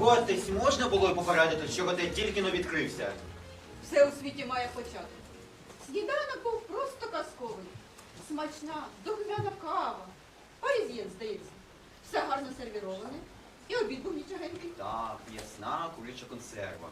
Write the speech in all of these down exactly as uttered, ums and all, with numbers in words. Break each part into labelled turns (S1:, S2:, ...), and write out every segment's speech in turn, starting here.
S1: Котись можна було й попередити, що готель тільки но відкрився.
S2: Все у світі має початок. Сніданок був просто казковий. Смачна, духмяна кава. Паризьєн, здається. Все гарно сервіроване. І обід був нічогенький.
S1: Так, м'ясна куряча консерва.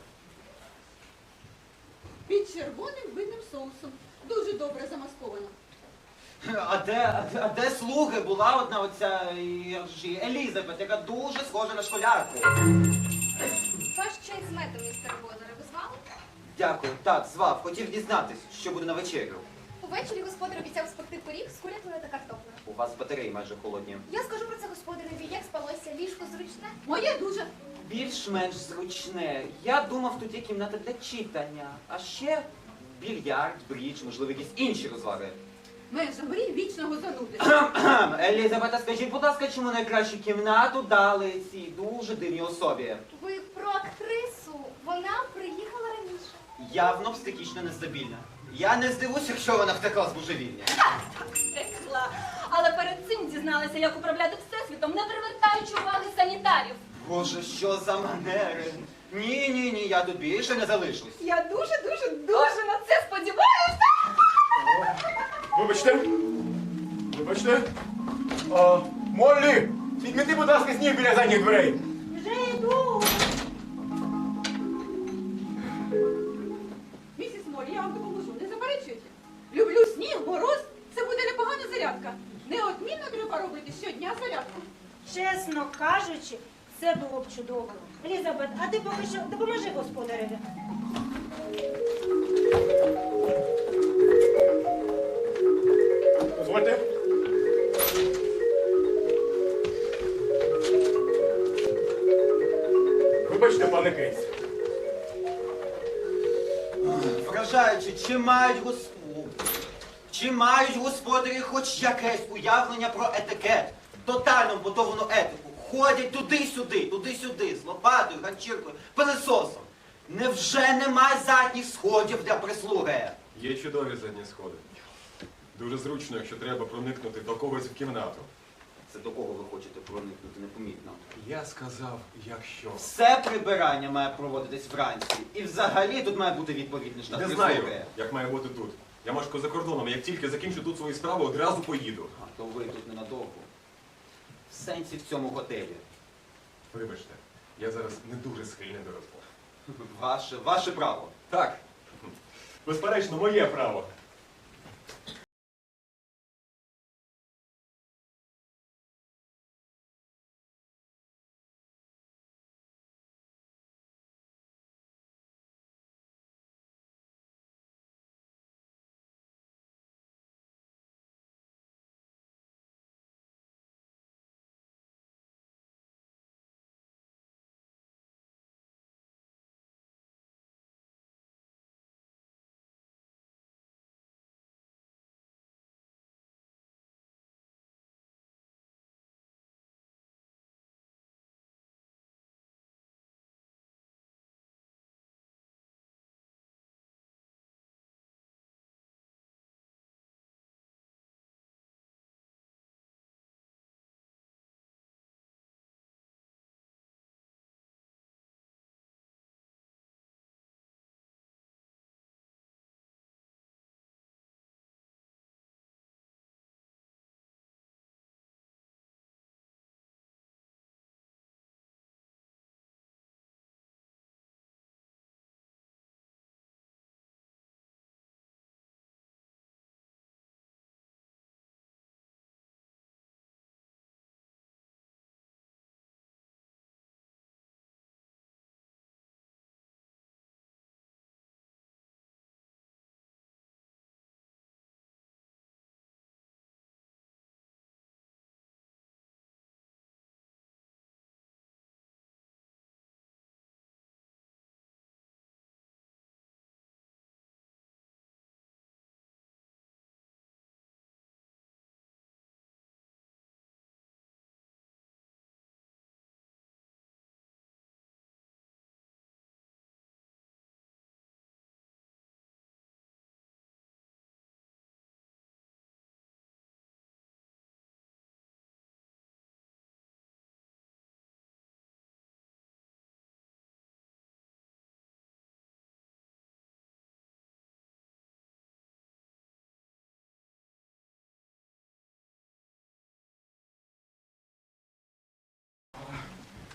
S2: Під червоним винним соусом. Дуже добре замасковано.
S1: А де, а де, а де слуги? Була одна оця як ж її, Елізабет, яка дуже схожа на школярку.
S3: Ваш чай з медом, містере Бозере, ви звали?
S1: Дякую, так, звав. Хотів дізнатись, що буде на вечерю.
S3: Увечері господар обіцяв спекти пиріг з курятиною та картоплею.
S1: У вас батареї майже холодні.
S3: Я скажу про це господареві, як спалося, ліжко зручне.
S2: Моє дуже.
S1: Більш-менш зручне. Я думав, тут є кімната для читання. А ще більярд, брідж, можливо, якісь інші розваги.
S2: Межа мрій вічного зануди.
S1: Елізабета, скажіть, будь ласка, чому найкращу кімнату дали цій дуже дивній особі?
S3: Ви про актрису. Вона приїхала раніше.
S1: Явно психічно нестабільна. Я не здивуюся, якщо вона втекла з божевільня.
S4: Втекла. Але перед цим дізналася, як управляти всесвітом, не привертаючи уваги санітарів.
S1: Боже, що за манери? Ні, ні, ні, я тут більше не залишусь.
S4: Я дуже, дуже, дуже на це сподіваюся.
S5: Вибачте. Вибачте. А, Моллі, підміти, будь ласка, сніг біля задніх дверей.
S4: Вже йду.
S2: Місіс Морі, я вам допоможу, не заперечуйте. Люблю сніг, мороз, це буде непогана зарядка. Неодмінно треба робити щодня зарядку.
S6: Чесно кажучи, це було б чудово. Елізабет, а ти поки що допоможи господареві.
S5: Дозвольте. Вибачте, пане Кейс.
S1: Вражаючи, чи мають госп... чи мають господарі хоч якесь уявлення про етикет, тотально вбудовану етику. Ходять туди-сюди, туди-сюди, з лопатою, ганчіркою, пилисосом. Невже немає задніх сходів для прислуги?
S7: Є чудові задні сходи. Дуже зручно, якщо треба проникнути до когось в кімнату.
S1: Це до кого ви хочете проникнути непомітно?
S7: Я сказав, якщо.
S1: Все прибирання має проводитись вранці. І взагалі тут має бути відповідний штат
S7: Не
S1: прислуги.
S7: знаю, як має бути тут. Я мешкаю за кордоном, як тільки закінчу тут свої справи, одразу поїду.
S1: А то ви тут ненадовго. В сенсі в цьому готелі.
S7: Вибачте, я зараз не дуже схильний до розмов.
S1: Ваше, ваше право.
S7: Так, безперечно, моє право.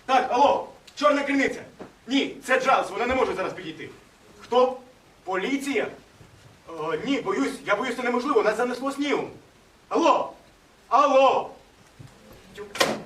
S5: Так, алло, чорна криниця. Ні, це Джалс, вона не може зараз підійти. Хто? Поліція? О, ні, боюсь, я боюсь, це неможливо, нас занесло снігом. Алло! Алло! Тю.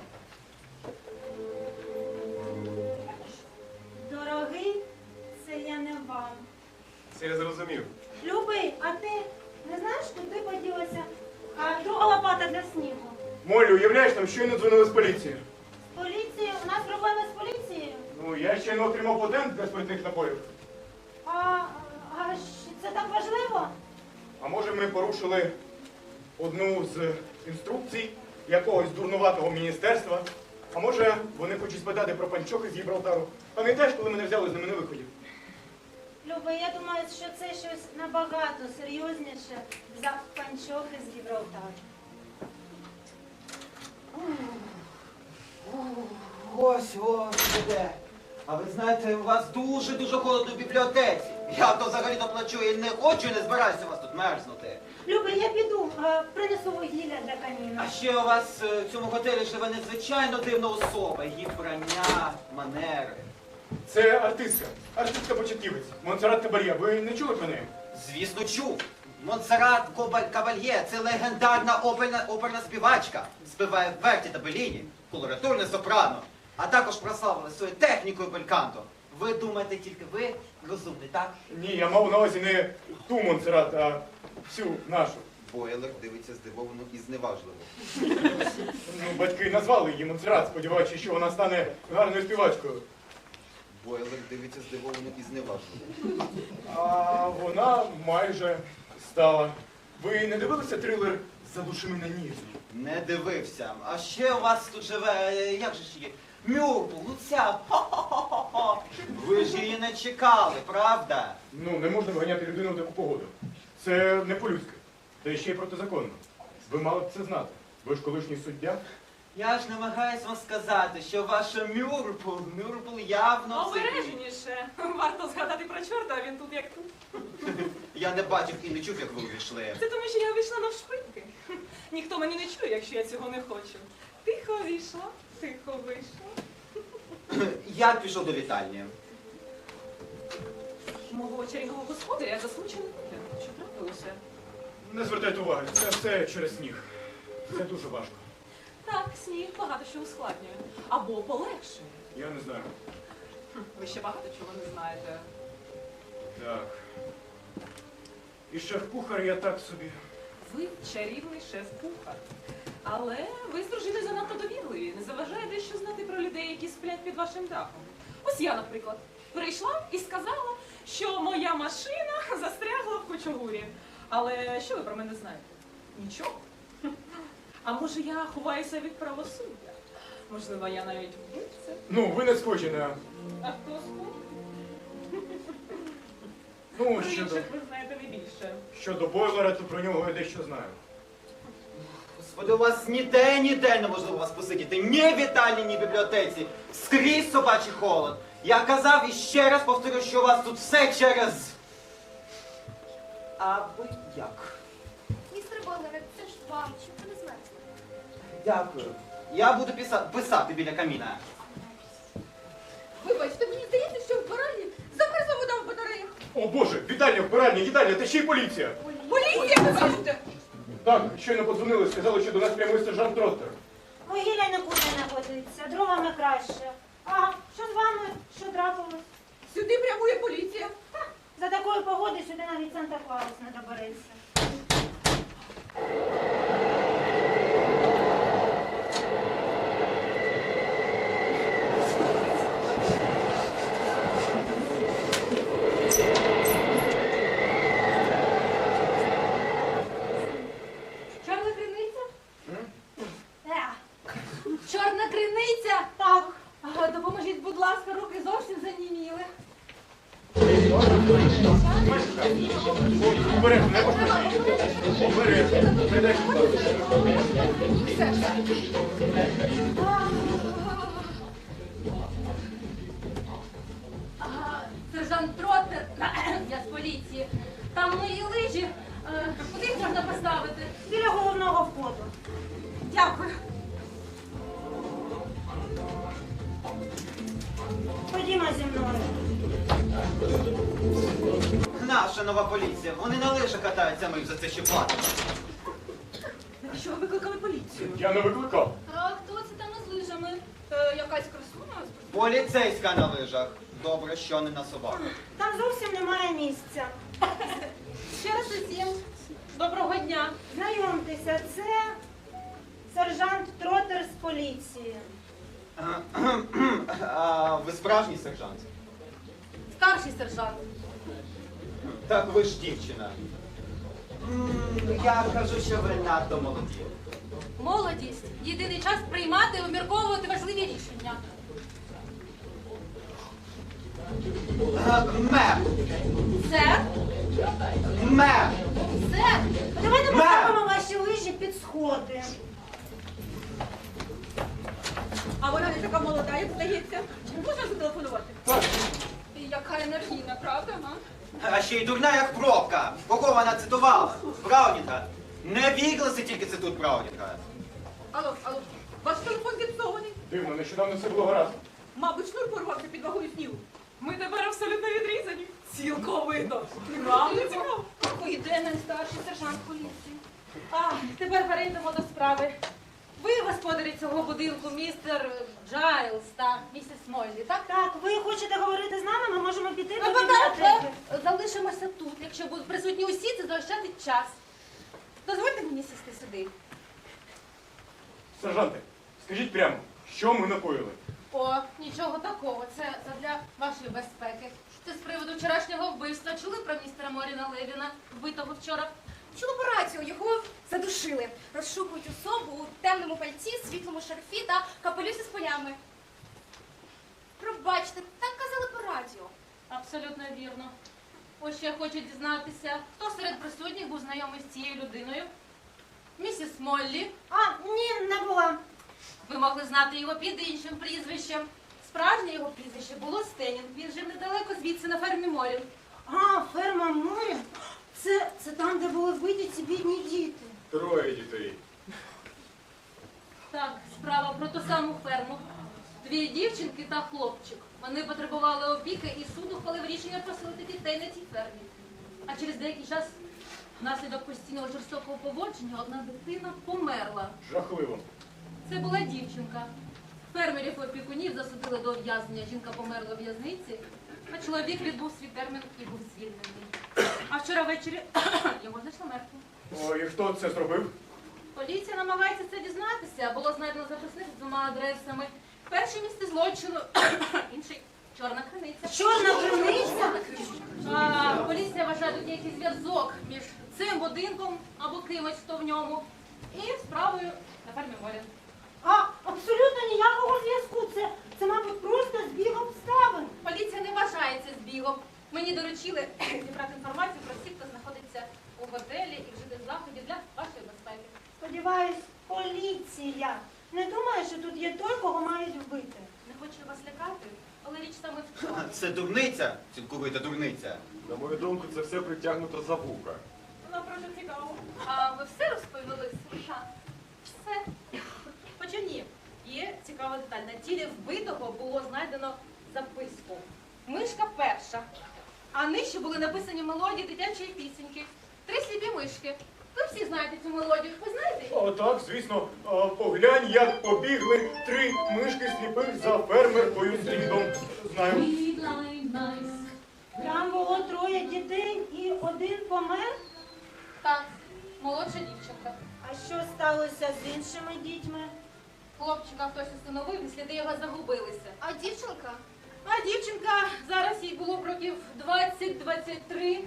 S6: Дорогий, це я не вам.
S7: Це я зрозумів.
S6: Любий, а ти не знаєш, куди поділася а, друга лопата для снігу?
S5: Моллі, уявляєш, нам щойно дзвонили з поліції.
S6: Поліція? У нас проблеми з поліцією.
S5: Ну, я ще не отримав патент для спиртних напоїв.
S6: А, а щ- це так важливо?
S5: А може ми порушили одну з інструкцій якогось дурнуватого міністерства? А може вони хочуть спитати про панчохи з Гібралтару? Пам'ятаєш, коли мене взяли з ними на виході?
S6: Любий, я думаю, що це щось набагато серйозніше за панчохи з Гібралтару.
S1: Ось, ось, іде. А ви знаєте, у вас дуже-дуже холодно в бібліотеці. Я то взагалі-то плачу і не хочу, і не збираюся у вас тут мерзнути.
S6: Любий, я піду, а, принесу вугілля для каміну.
S1: А ще у вас е, в цьому готелі живе надзвичайно дивна особа. Її вбрання, манери.
S5: Це артистка, артистка початківець, Монсеррат Кабальє. Ви не чули про неї?
S1: Звісно, чув. Монсеррат Коба- Кабальє – це легендарна оперна, оперна співачка. Співає в Верті та Беліні, колоратурне сопрано, а також прославила своєю технікою бельканто. Ви думаєте, тільки ви розумний, так?
S5: Ні, я мав на увазі не ту Монсеррат, а всю нашу.
S1: Бойлер дивиться здивовано і зневажливо.
S5: Ну, батьки назвали її Монсеррат, сподіваючись, що вона стане гарною співачкою.
S1: Бойлер дивиться здивовано і зневажливо.
S5: А вона майже стала. Ви не дивилися трилер «Задуши мене ніжно»?
S1: Не дивився. А ще у вас тут живе, е, як же ж її? Мюрпл, Луця. Хо-хо-хо-хо. Ви ж її не чекали, правда?
S5: Ну, не можна виганяти людину в таку погоду. Це не по-людськи. Та ще й протизаконно. Ви мали б це знати. Ви ж колишній суддя.
S1: Я ж намагаюсь вам сказати, що ваша Мюрпл, Мюрпл явно... це-
S4: Обережніше. Варто згадати про чорта, а він тут як тут.
S1: Я не бачив і не чув, як ви увійшли.
S4: Це тому, що я вийшла навшпиньки. Ніхто мене не чує, якщо я цього не хочу. Тихо вийшла, тихо вийшла.
S1: Я пішов до вітальні.
S4: Мого чарівного господаря засмучений вигляд. Що трапилося?
S5: Не звертайте уваги, це все через сніг. Це дуже важко.
S4: Так, сніг багато що ускладнює. Або полегшує.
S5: Я не знаю.
S4: Хм, Ви ще багато чого не знаєте.
S5: Так. І шеф-кухар я так собі.
S4: Ви чарівний шеф-кухар. Але ви з дружиною занадто довірливі. Не заважає дещо знати про людей, які сплять під вашим дахом. Ось я, наприклад, прийшла і сказала, що моя машина застрягла в кучугурі. Але що ви про мене знаєте? Нічого. А може я ховаюся від правосуддя? Можливо, я навіть вбивця?
S5: Ну, ви не схожі на...
S4: А хто спав?
S5: Ну,
S4: Про
S5: щодо,
S4: інших ви знаєте не більше.
S5: щодо бойлера, то про нього я дещо знаю.
S1: Господи, у вас ніде, ніде неможливо вас посидіти. Ні в вітальні, ні в бібліотеці. Скрізь собачий холод. Я казав і ще раз повторю, що у вас тут все через... А ви як?
S3: Містер Бойлере, це ж вам, щоб ви не змерзли.
S1: Дякую. Я буду писа- писати біля каміна.
S2: Вибачте, мені здається, що в барані замерзла вода в батареях.
S5: О боже, вітальня, вбиральня, їдальня, та ще й поліція.
S2: Поліція, ви кажете?
S5: Так, щойно подзвонили, сказали, що до нас прямує сержант Троттер.
S6: Вугілля нікуди не годиться, дровами краще. А що з вами? Що трапилось?
S2: Сюди прямує поліція.
S6: За такої погоди сюди навіть Санта-Клаус не добереться.
S2: Чорна криниця?
S6: Е,
S2: Чорна криниця?
S6: Так.
S2: А, допоможіть, будь ласка, руки зовсім заніміли.
S5: Обережно, не пошкодіть. Обережно. Не дай
S2: Все, все.
S4: А, сержант Троттер, я з поліції. Там мої лижі. Е, Куди їх можна поставити?
S6: Біля головного входу.
S4: Дякую.
S6: зі мною.
S1: Наша нова поліція. Вони на лижах катаються, ми їм за це ще платимо.
S4: Що ви викликали поліцію?
S5: Я не викликав.
S3: А хто це там із лижами?
S2: Е, якась красуня?
S1: Поліцейська на лижах. Добре, що не на собаку.
S6: Там зовсім немає місця.
S4: Ще раз усім. Доброго дня.
S6: Знайомтеся, це сержант Тротер з поліції.
S1: А ви справжній сержант?
S2: Старший сержант.
S1: Так ви ж дівчина. М, Я кажу, що ви надто молоді.
S2: Молодість. Єдиний час приймати і обмірковувати важливі рішення.
S1: Е, Мер!
S2: Сер?
S1: Мер!
S2: Сер?
S6: Давайте
S1: Мер!
S6: поставимо ваші лижі під сходи.
S2: А вона не така молода, як здається. Можна зателефонувати? Яка енергійна, правда, га?
S1: А ще й дурна, як пробка. Кого вона цитувала? Браунінга. Не Вігласи тільки цитують Браунінга.
S2: Алло, алло. Ваш телефон зіпсований.
S5: Дивно, нещодавно все було гаразд.
S2: Мабуть, шнур порвався під вагою снігу.
S4: Ми тепер абсолютно відрізані. Цілковито. Вам не цікаво?
S2: Іде найстарший сержант поліції.
S6: А, тепер перейдемо до справи. Ви господарі цього будинку, містер Джайлз та місіс Мойлі, так? Так, ви хочете говорити з нами, ми можемо піти до бібліотеки.
S2: Залишимося тут. Якщо будуть присутні усі, це заощадить час. Дозвольте мені сісти сюди.
S5: Сержанте, скажіть прямо, що ми накоїли?
S2: О, нічого такого. Це для вашої безпеки. Це з приводу вчорашнього вбивства. Чули про містера Моріна Левіна, вбитого вчора?
S3: Чула по радіо, його задушили. Розшукують особу у темному пальці, світлому шарфі та капелюсі з полями. Пробачте, так казали по радіо.
S2: Абсолютно вірно. Ось ще я хочу дізнатися, хто серед присутніх був знайомий з цією людиною? Місіс Моллі.
S6: А, ні, не була.
S2: Ви могли знати його під іншим прізвищем. Справжнє його прізвище було Стенінг. Він жив недалеко звідси на фермі Морін.
S6: А, ферма Морі? Це, це там, де були вбиті ці бідні діти.
S7: Троє дітей.
S2: Так, справа про ту саму ферму. Дві дівчинки та хлопчик. Вони потребували опіки і суд ухвалив рішення поселити дітей на цій фермі. А через деякий час, внаслідок постійного жорстокого поводження, одна дитина померла.
S5: Жахливо.
S2: Це була дівчинка. Фермерів і опікунів засудили до ув'язнення. Жінка померла в в'язниці, а чоловік відбув свій термін і був звільнений. А вчора ввечері його знайшли мертвим.
S5: О, і хто це зробив?
S2: Поліція намагається це дізнатися. Було знайдено записник з двома адресами. Перше місце злочину, інший чорна криниця.
S6: Чорна криниця?
S2: А, поліція вважає тут якийсь зв'язок між цим будинком або кимось, хто в ньому, і справою на фермі Морін.
S6: А, абсолютно ніякого зв'язку. Це, це, мабуть, просто збіг обставин.
S2: Поліція не вважає це збігом. Мені доручили зібрати інформацію про всіх, хто знаходиться у готелі і вжити заходів для вашої безпеки.
S6: Сподіваюсь, поліція не думає, що тут є той, кого мають вбити.
S2: Не хочу вас лякати, але річ саме в чому.
S1: Це дурниця, цілковита дурниця.
S7: На мою думку, це все притягнуто за вуха.
S2: Вона просто цікаво. А ви все розповіли, Сержант? Все? Хоча ні. Є цікава деталь. На тілі вбитого було знайдено записку. Мишка перша. А нижче були написані мелодії дитячої пісеньки. Три сліпі мишки. Ви всі знаєте цю мелодію. Ви знаєте?
S5: О, так, звісно. А, поглянь, як побігли три мишки сліпих за фермеркою слідом. Знаю.
S6: Там було троє дітей і один помер.
S2: Так, молодша дівчинка.
S6: А що сталося з іншими дітьми?
S2: Хлопчика хтось установив, і сліди його загубилися.
S3: А дівчинка?
S2: А дівчинка, зараз їй було б років двадцять-двадцять три.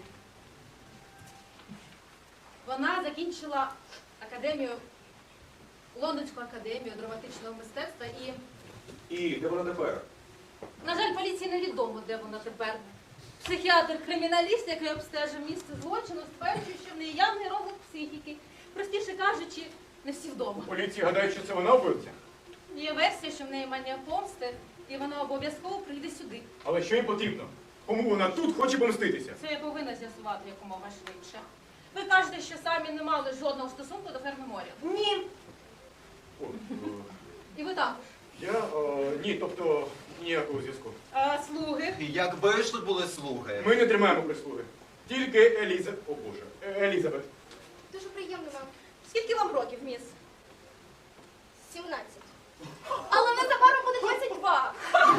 S2: Вона закінчила академію, Лондонську академію драматичного мистецтва і,
S7: І де вона тепер?
S2: на жаль, поліції невідомо, де вона тепер. Психіатр-криміналіст, який обстежив місце злочину, стверджує, що в неї явний розлад психіки. Простіше кажучи, не всі вдома.
S5: Поліція гадає, що це вона вбивця.
S2: Є версія, що в неї манія помсти, і вона обов'язково прийде сюди.
S5: Але що їм потрібно? Кому вона тут хоче помститися?
S2: Це я повинна з'ясувати якомога швидше. Ви кажете, що самі не мали жодного стосунку до ферми Морі.
S6: Ні.
S5: О, е,
S2: І ви також.
S5: Я, е, ні, тобто, ніякого зв'язку.
S6: А слуги?
S1: Якби ж тут були слуги.
S5: Ми не тримаємо прислуги. Тільки Еліза... О Боже, Е- Елізабет.
S3: Дуже приємно вам.
S6: Скільки вам років, міс?
S3: сімнадцять. Але незабаром буде двадцять два.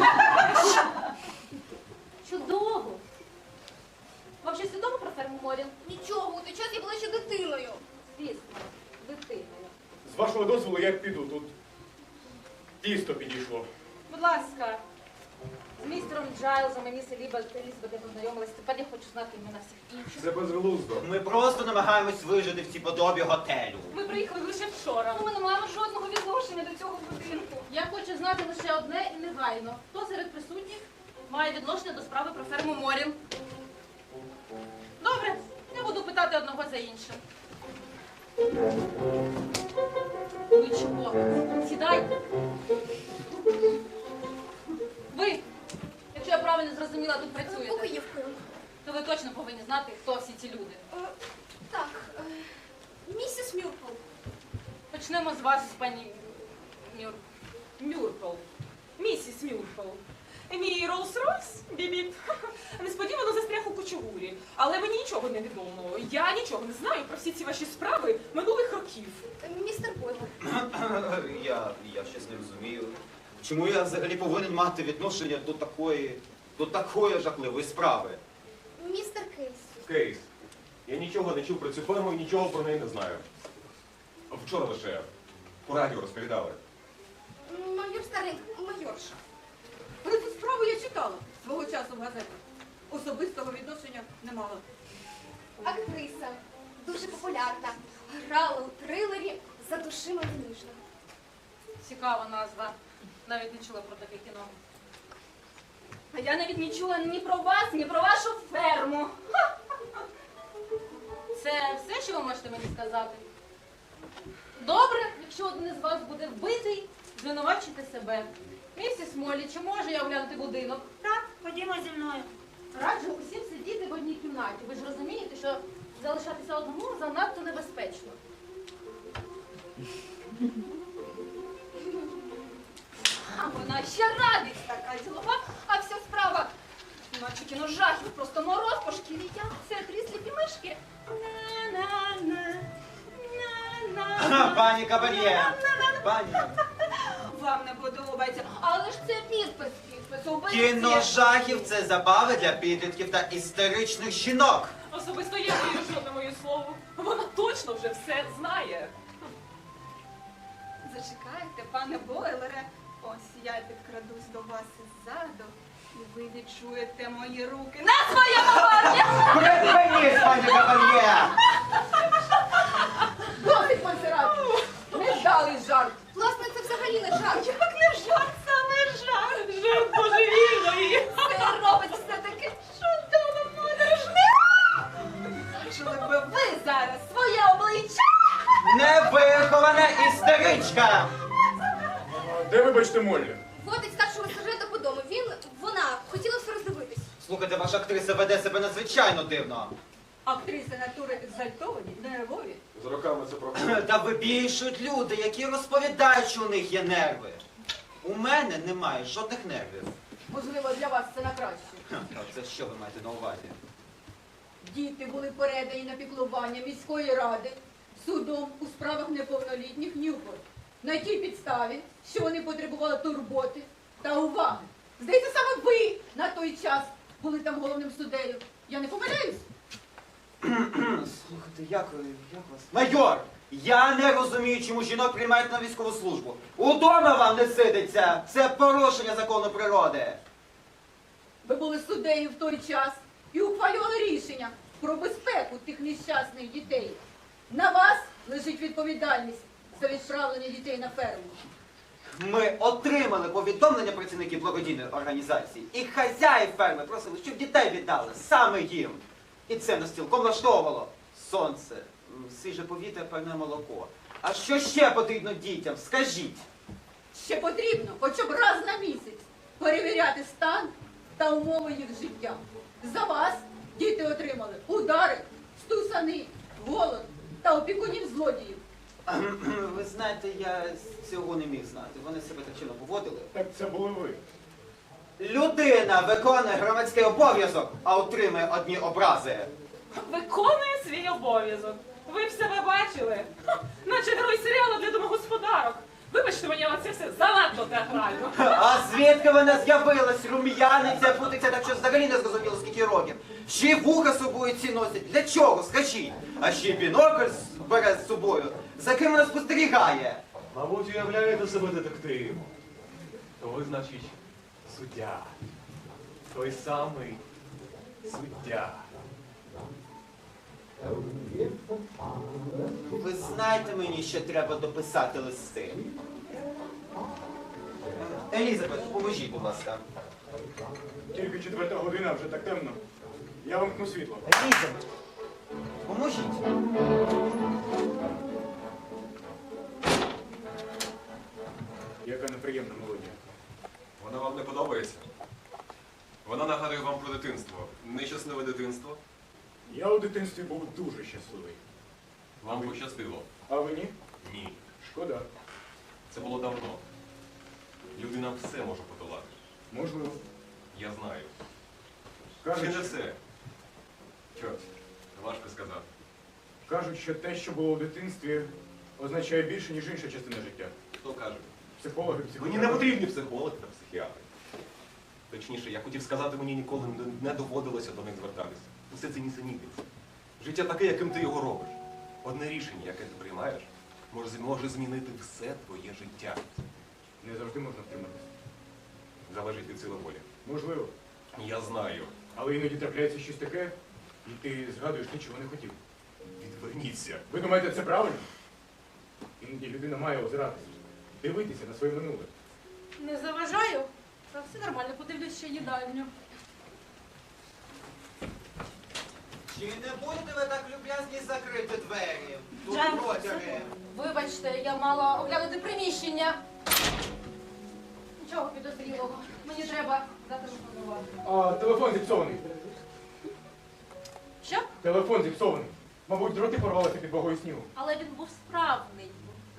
S6: Чудово. Вам щось відомо про ферму Морін?
S3: Нічого, у той час я була ще дитиною.
S6: Звісно, дитиною.
S5: З вашого дозволу я піду. Тут тісто підійшло.
S6: Будь ласка, з містером Джайлзом і міс Елізабет Елізабет я познайомилась. Тепер я хочу знати імена всіх інших.
S7: Це безглуздо.
S1: Ми просто намагаємось вижити в цій подобі готелю.
S4: Ми приїхали лише вчора.
S6: Ми не маємо жодного відношення до цього будинку. Я хочу знати лише одне і негайно. Хто серед присутніх має відношення до справи про ферму Морін? Добре, я буду питати одного за іншим. Ви чого? Сідайте. Ви, якщо я правильно зрозуміла, тут працюєте,
S3: Покоївкою.
S6: то ви точно повинні знати, хто всі ці люди.
S3: Е, Так, е, місіс Мюрпл.
S6: Почнемо з вас, пані Мюр... Мюрпл.
S4: Місіс Мюрфел. Мій Роллс-Ройс, бібіп, несподівано застряг у кучугурі. Але мені нічого не відомо. Я нічого не знаю про всі ці ваші справи минулих років.
S3: Е, Містер Бойл.
S1: Я, я щось не розумію. Чому я взагалі повинен мати відношення до такої, до такої жахливої справи?
S3: Містер Кейс.
S7: Кейс. Я нічого не чув про цю ферму і нічого про неї не знаю. Вчора лише по радіо розповідали.
S3: Майор Старлінг, майорша.
S2: Про цю справу я читала свого часу в газетах. Особистого відношення не мала.
S3: Актриса. Дуже популярна. Грала у трилері «За душима ніжно».
S6: Цікава назва. Навіть не чула про таке кіно. А я навіть не чула ні про вас, ні про вашу ферму. Ха! Це все, що ви можете мені сказати? Добре, якщо один із вас буде вбитий, звинувачуйте себе. Місіс Моллі, чи можу я оглянути будинок?
S8: Так, ходімо зі мною.
S6: Раджу усім сидіти в одній кімнаті. Ви ж розумієте, що залишатися одному занадто небезпечно. А вона ще радість така ділова, а вся справа, наче кіно жахів, просто мороз по шкірі. Я це три сліпі мишки. На-на-на, на-на.
S1: Пані Кабальє! Пані!
S6: Вам не подобається, але ж це підпис, підпис, убивці.
S1: Кіно жахів це забави для підлітків та істеричних жінок.
S4: Особисто я не вірю жодному моє слово. Вона точно вже все знає.
S9: Зачекайте, пане Бойлере, ось я підкрадусь до вас іззаду, і ви відчуєте мої руки на своєму барні!
S1: Припиніть, пані Кабальє!
S2: Досить консервативно! Невдалий жарт!
S3: Власне, це взагалі не жарт.
S9: Як не жарт, саме жарт!
S4: Жарт божевільної.
S3: Це робить все таке чудово, моторошне.
S9: Бачили би ви зараз своє обличчя!
S1: Невихована істеричка!
S5: Де ви бачите Моллі?
S3: Водить старшого сержанта по дому. Він, вона, хотіла все роздивитись.
S1: Слухайте, ваша актриса веде себе надзвичайно дивно.
S2: Актриси натури екзальтовані, нервові.
S7: З роками це проходить.
S1: Та вибільшують люди, які розповідають, що у них є нерви. У мене немає жодних нервів.
S2: Можливо, для вас це на краще.
S1: Ха, Це що ви маєте на увазі?
S2: Діти були передані на піклування міської ради судом у справах неповнолітніх Ньюпорт. На тій підставі, що вони потребували турботи та уваги. Здається, саме ви на той час були там головним суддею. Я не помиляюсь?
S1: Слухайте, як, ви- як вас? Майор! Я не розумію, чому жінок приймають на військову службу. Удома вам не сидиться! Це порушення закону природи.
S2: Ви були суддею в той час і ухвалювали рішення про безпеку тих нещасних дітей. На вас лежить відповідальність за відправлення дітей на ферму.
S1: Ми отримали повідомлення працівників благодійної організації. І хазяїв ферми просили, щоб дітей віддали саме їм. І це нас цілком влаштовувало. Сонце, м, свіже повітря, певне молоко. А що ще потрібно дітям? Скажіть.
S2: Ще потрібно хоча б раз на місяць перевіряти стан та умови їх життя. За вас діти отримали удари, стусани, голод та опікунів злодіїв.
S1: Ви знаєте, я цього не міг знати. Вони себе так чинно поводили.
S5: Так це були ви.
S1: Людина виконує громадський обов'язок, а отримує одні образи.
S4: Виконує свій обов'язок. Ви б себе бачили? Ха, наче герой серіалу для домогосподарок. Вибачте мені, але це все занадто театрально.
S1: А звідки вона з'явилась? Рум'яниця, путиця, так що взагалі не зрозуміло, скільки років. Ще й вуха з собою ці носять. Для чого? Скажіть. А ще й бінокль бере з собою. За ким вона спостерігає?
S7: Мабуть, уявляєте себе детективом. То ви, значить, суддя. Той самий суддя.
S1: Ви знаєте мені, що треба дописати листи. Елізабет, поможіть, будь ласка.
S5: Тільки четверта година, вже так темно. Я вимкну світло.
S1: Елізабет, поможіть.
S5: Яка неприємна мелодія.
S7: Вона вам не подобається? Вона нагадує вам про дитинство. Нещасливе дитинство.
S5: Я у дитинстві був дуже щасливий.
S7: Вам пощастило.
S5: А ви ні?
S7: Ні.
S5: Шкода.
S7: Це було давно. Людина все може подолати.
S5: Можливо.
S7: Я знаю.
S5: Кажуть,
S7: Чи не все? Чорт, важко сказати.
S5: кажуть, що те, що було у дитинстві, означає більше, ніж інша частина життя.
S7: Хто каже?
S5: Психологи, психологи.
S7: Мені не потрібні психологи та психіатри. Точніше, я хотів сказати, мені ніколи не- не доводилося до них звертатися. Усе це нісенітниця. Життя таке, яким ти його робиш. Одне рішення, яке ти приймаєш, може, з- може змінити все твоє життя.
S5: Не завжди можна втриматися.
S7: Залежить від сили волі.
S5: Можливо.
S7: Я знаю.
S5: Але іноді трапляється щось таке, і ти згадуєш те, чого не хотів.
S7: Відверніться.
S5: Ви думаєте, це правильно? Іноді людина має озиратися, дивитися на своє минуле.
S6: Не заважаю? Та все нормально, подивлюсь ще їдальню.
S1: Чи не будете ви так люб'язні закрити двері? Тут
S3: Джем,
S1: протяги.
S3: Вибачте, я мала оглянути приміщення. Нічого підозрілого. Мені треба зателефонувати.
S5: А телефон зіпсований.
S3: Що?
S5: Телефон зіпсований. Мабуть, дроти порвалися під вагою снігу.
S3: Але він був справний.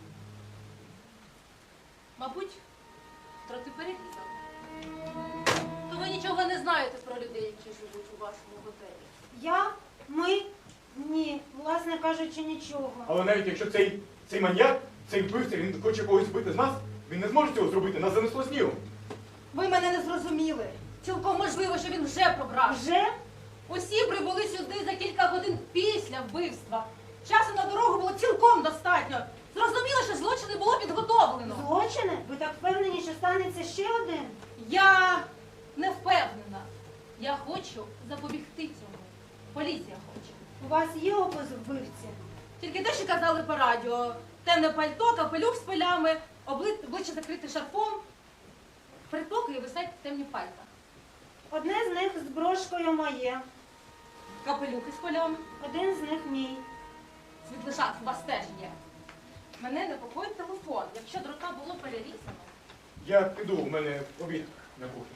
S3: Мабуть, трохи перерізав. То ви нічого не знаєте про людей, які живуть у вашому готелі.
S8: Я? Ми? Ні, власне кажучи, нічого.
S5: Але навіть якщо цей, цей маньяк, цей вбивця, він хоче когось вбити з нас, він не зможе цього зробити, нас занесло снігом.
S3: Ви мене не зрозуміли. Цілком можливо, що він вже пробрав.
S8: Вже?
S3: Усі прибули сюди за кілька годин після вбивства. Часу на дорогу було цілком достатньо. Зрозуміло, що злочин не було підготовлено.
S8: Злочини? Ви так впевнені, що станеться ще один?
S3: Я не впевнена. Я хочу запобігти цьому. Поліція хоче.
S8: У вас є опис вбивці?
S3: Тільки те, що казали по радіо. Темне пальто, капелюх з полями, обли- обличчя закрите шарфом. Передпокої висять темні пальта.
S8: Одне з них з брошкою моє,
S3: Капелюхи з полями.
S8: один з них мій.
S3: Світлишат, у вас теж є. Мене непокоїть телефон. Якщо дрота було перерізано.
S5: Я піду, у мене обід на кухні.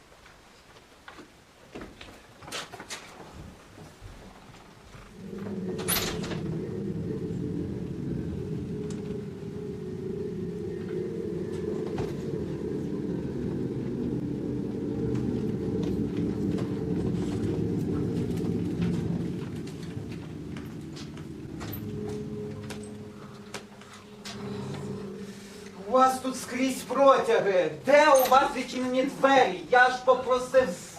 S1: У вас тут скрізь протяги. Де у вас відчинені двері? Я ж попросив. з-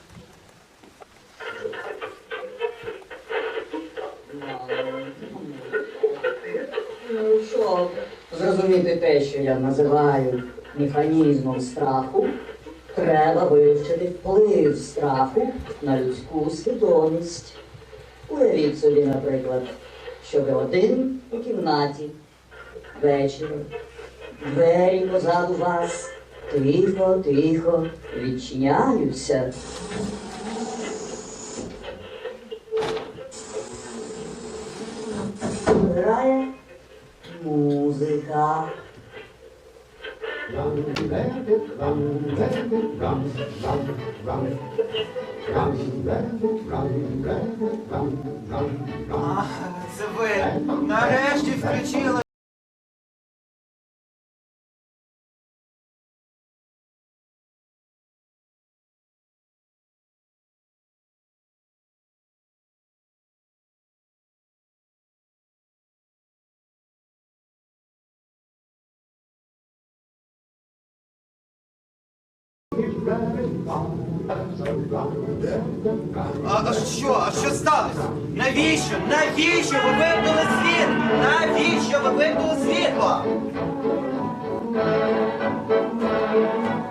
S10: Ну, щоб зрозуміти те, що я називаю механізмом страху, треба вивчити вплив страху на людську свідомість. Уявіть собі, наприклад, що ви один у кімнаті вечором. Двері позаду вас тихо-тихо відчиняються. Грає музика.
S1: Ах, це ви нарешті включили А, а що? А що сталося? Навіщо? Навіщо ви вимкнули світло? Навіщо ви вимкнули світло?